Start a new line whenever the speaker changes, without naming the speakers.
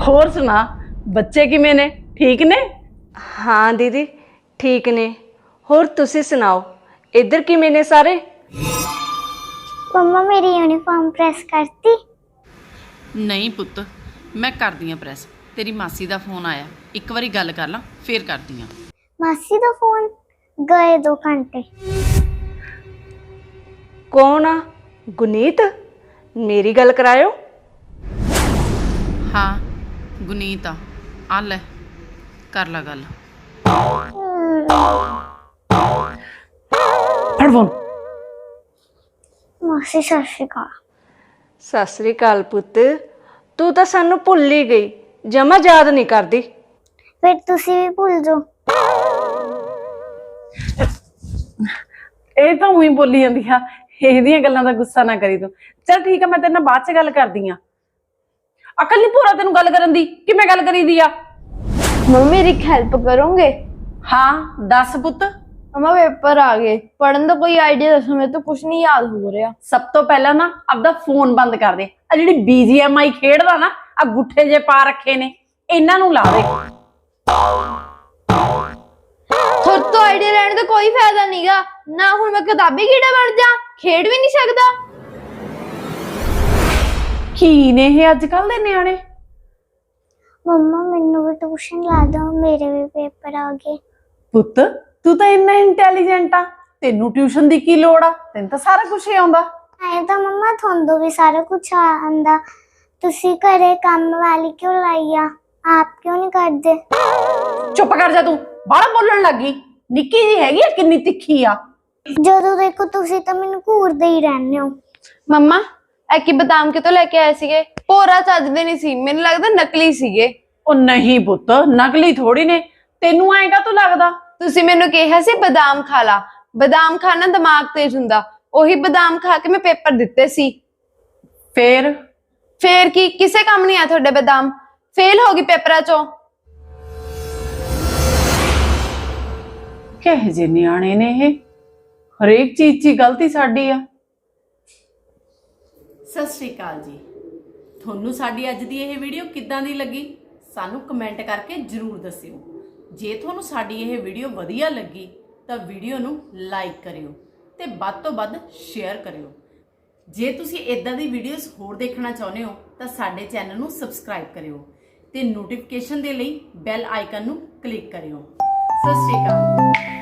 ਹੋਰ ਸੁਣਾ, ਬੱਚੇ ਕਿਵੇਂ ਨੇ? ਠੀਕ ਨੇ?
हाँ दीदी ठीक ने। होर तुसी सुनाओ, इधर किवें ने सारे?
मम्मा मेरी यूनिफॉर्म प्रेस करती?
नहीं पुत्त, मैं करदी हाँ प्रैस। तेरी मासी का फोन आया, एक बारी गल कर ला फिर करदी हाँ।
मासी दा फोन? गए 2 घंटे।
कौन आ? गुनीत? मेरी गल करायो।
हाँ गुनीत आ ले, कर ला गल।
फड़ फोन।
मासी सत श्री अकाल।
सत श्री अकाल पुत्त, तू तो सानू भुल ही गई, जमा याद नहीं करदी।
फिर तुसी भी भूल जाओ।
ਇਹ ਤਾਂ ਉਹੀ ਬੋਲੀ ਜਾਂਦੀ ਆ, ਇਹਦੀਆਂ ਗੱਲਾਂ ਦਾ ਗੁੱਸਾ ਨਾ ਕਰੀ ਤੂੰ। ਚੱਲ ਠੀਕ ਆ, ਮੈਂ ਤੇਰੇ ਨਾਲ ਬਾਅਦ ਚ ਗੱਲ ਕਰਦੀ ਆ। ਅਕਲ ਨਹੀਂ ਪੂਰਾ ਤੈਨੂੰ ਗੱਲ ਕਰਨ ਦੀ, ਕਿਵੇਂ ਗੱਲ ਕਰੀਦੀ ਆ?
मम्मी मेरी हेल्प करोगे?
ਹਾਂ ਦੱਸ ਪੁੱਤ।
मम्मा पेपर आ गए, पढ़ने का कोई आइडिया दसो, मेरे तो कुछ नहीं याद हो रहा।
ਸਭ ਤੋਂ ਪਹਿਲਾਂ ਨਾ ਆਪਦਾ ਫੋਨ ਬੰਦ ਕਰ ਦੇ। ਆ ਜਿਹੜੀ BGMI ਖੇਡਦਾ ਨਾ, ਆ ਗੁੱਠੇ ਜੇ ਪਾ ਰੱਖੇ ਨੇ, ਇਹਨਾਂ ਨੂੰ ਲਾ ਦੇ।
खुद तो आइडिया लेने का कोई फायदा नहीं गा ना। हुण मैं किताबी कीड़ा बन जा, खेड भी नहीं सकदा।
ਕੀ ਨੇ ਇਹ ਅੱਜ ਕੱਲ ਦੇ ਨਿਆਣੇ?
मम्मा मैनू भी ट्यूशन ला दो, मेरे भी पेपर आ गए।
ਪੁੱਤ ਤੂੰ ਤਾਂ ਇੰਨਾ ਇੰਟੈਲੀਜੈਂਟ ਆ, ਤੈਨੂੰ ਟਿਊਸ਼ਨ ਦੀ ਕੀ ਲੋੜ ਆ? ਤੈਨੂੰ ਤਾਂ ਸਾਰਾ ਕੁਝ ਹੀ ਆਉਂਦਾ।
आए तो मम्मा थोंदो भी सारा कुछ आंदा, तुसी घरे काम वाली क्यों लाई आ? आप क्यों नहीं करदे?
ਚੁੱਪ ਕਰ ਜਾ ਤੂੰ, ਬਾਹਲਾ ਬੋਲਣ ਲੱਗੀ। ਨਿੱਕੀ ਜੀ ਹੈਗੀ ਆ, ਕਿੰਨੀ ਤਿੱਖੀ ਆ।
ਜਦੋਂ ਦੇਖੋ ਤੁਸੀਂ ਤਾਂ ਮੈਨੂੰ ਘੂਰਦੇ ਹੀ ਰਹਿੰਦੇ ਹੋ।
मम्मा एकी बादाम कितों लेके आए सीगे? भोरा चजदे नहीं सी, मैनूं लगदा नकली सीगे।
ਉਹ ਨਹੀਂ ਪੁੱਤ, ਨਕਲੀ ਥੋੜੀ ਨੇ। ਤੈਨੂੰ ਐਂ ਕਾਹਤੋਂ ਲੱਗਦਾ?
ਤੁਸੀਂ ਮੈਨੂੰ ਕਿਹਾ ਸੀ ਬਾਦਾਮ ਖਾ ਲਾ, ਬਾਦਾਮ ਖਾਣਾ ਦਿਮਾਗ ਤੇਜ਼ ਹੁੰਦਾ। ਉਹੀ ਬਾਦਾਮ ਖਾ ਕੇ ਮੈਂ ਪੇਪਰ ਦਿੱਤੇ ਸੀ। ਫੇਰ ਕੀ, ਕਿਸੇ ਕੰਮ ਨਹੀਂ ਆ ਤੁਹਾਡੇ ਬਾਦਾਮ। ਫੇਲ ਹੋ ਗਈ ਪੇਪਰਾਂ ਚੋਂ।
ਕਿਹੋ ਜਿਹੇ ਨਿਆਣੇ ਨੇ ਇਹ, ਹਰੇਕ ਚੀਜ਼ 'ਚ ਗਲਤੀ ਸਾਡੀ ਆ।
ਸਤਿ ਸ਼੍ਰੀ ਅਕਾਲ ਜੀ। ਤੁਹਾਨੂੰ ਸਾਡੀ ਅੱਜ ਦੀ ਇਹ ਵੀਡੀਓ ਕਿੱਦਾਂ ਦੀ ਲੱਗੀ ਸਾਨੂੰ ਕਮੈਂਟ ਕਰਕੇ ਜ਼ਰੂਰ ਦੱਸਿਓ। ਜੇ ਤੁਹਾਨੂੰ ਸਾਡੀ ਇਹ ਵੀਡੀਓ ਵਧੀਆ ਲੱਗੀ ਤਾਂ ਵੀਡੀਓ ਨੂੰ ਲਾਈਕ ਕਰਿਓ ਤੇ ਵੱਧ ਤੋਂ ਵੱਧ ਸ਼ੇਅਰ ਕਰਿਓ। ਜੇ ਤੁਸੀਂ ਇਦਾਂ ਦੀ ਵੀਡੀਓਜ਼ ਹੋਰ ਦੇਖਣਾ ਚਾਹੁੰਦੇ ਹੋ ਤਾਂ ਸਾਡੇ ਚੈਨਲ ਨੂੰ ਸਬਸਕ੍ਰਾਈਬ ਕਰਿਓ ਤੇ ਨੋਟੀਫਿਕੇਸ਼ਨ ਦੇ ਲਈ ਬੈਲ ਆਈਕਨ ਨੂੰ ਕਲਿੱਕ ਕਰਿਓ। ਸਤਿ ਸ਼੍ਰੀ ਅਕਾਲ।